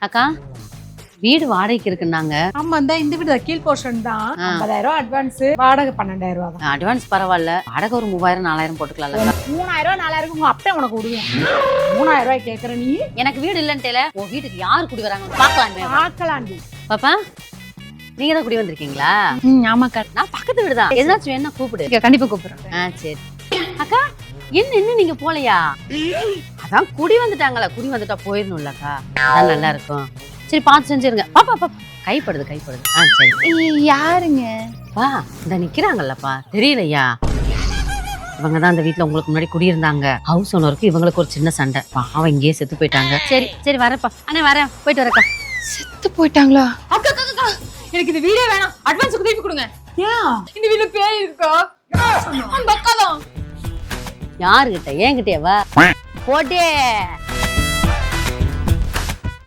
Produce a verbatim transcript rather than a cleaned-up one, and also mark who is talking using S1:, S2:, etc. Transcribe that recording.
S1: அக்கா வீடு வாடகைக்கு இருக்குன்னாங்க.
S2: ஆமா இந்த இந்த வீடு கீழ் போர்ஷன் தான். ஐம்பதாயிரம் ரூபாய் அட்வான்ஸ், வாடகை பன்னெண்டாயிரம் ரூபாய் தான்.
S1: அட்வான்ஸ் பரவாயில்ல, வாடகை ஒரு மூவாயிரம் நாலாயிரம் போட்டுக்கலாம்ல.
S2: மூணாயிரம் ரூபாய் நாலாயிரம் உங்க அப்பா உனக்கு விடுவேன். மூணாயிரம் ரூபாய் கேக்குற நீ?
S1: எனக்கு வீடு இல்லன்ட்டேல, உன் வீட்டுக்கு யாரு குடி வராங்க பாக்கலாம்.
S2: பாக்கலாண்டி.
S1: பாப்பா நீங்க தான் குடி வந்திருக்கீங்களா?
S2: ம் ஆமாக்கா.
S1: நான் பக்கத்து வீடு தான். எதாச்சும் வேணா கூப்பிடு.
S2: கண்டிப்பா கூப்பிடுறேன்.
S1: ஆ சரி. அக்கா என்ன இன்னும் நீங்க போலையா? அதான் குடி வந்துட்டாங்களா, குடி வந்துட்டா போயிடணும்லக்கா, அதான் நல்லா இருக்கும். சரி பார்த்து செஞ்சிருங்க. பாப்பா பாப்பா கைப்படுது கைப்படுது. ஆ சரி.
S2: யாருங்க?
S1: வா இந்த நிக்கிறாங்கல்லப்பா, தெரியலையா? இவங்க தான் இந்த வீட்டுல உங்களுக்கு முன்னாடி குடியிருந்தாங்க. ஹவுஸ் ஓனருக்கு இவங்களுக்கு ஒரு சின்ன சண்டை, பாவம் இங்கேயே செத்து போயிட்டாங்க. சரி சரி வரப்பா. அண்ணே வரேன், போயிட்டு வரக்கா.
S2: செத்து போயிட்டாங்களா? அக்கா அக்கா எனக்கு இந்த வீடியோ வேணாம், அட்வான்ஸ் திருப்பி கொடுங்க. ஏன் இந்த வீட்ல பேய் இருக்கா? அந்த அக்கா தான்.
S1: யாருகிட்ட? என்கிட்டயே வா போட்டே.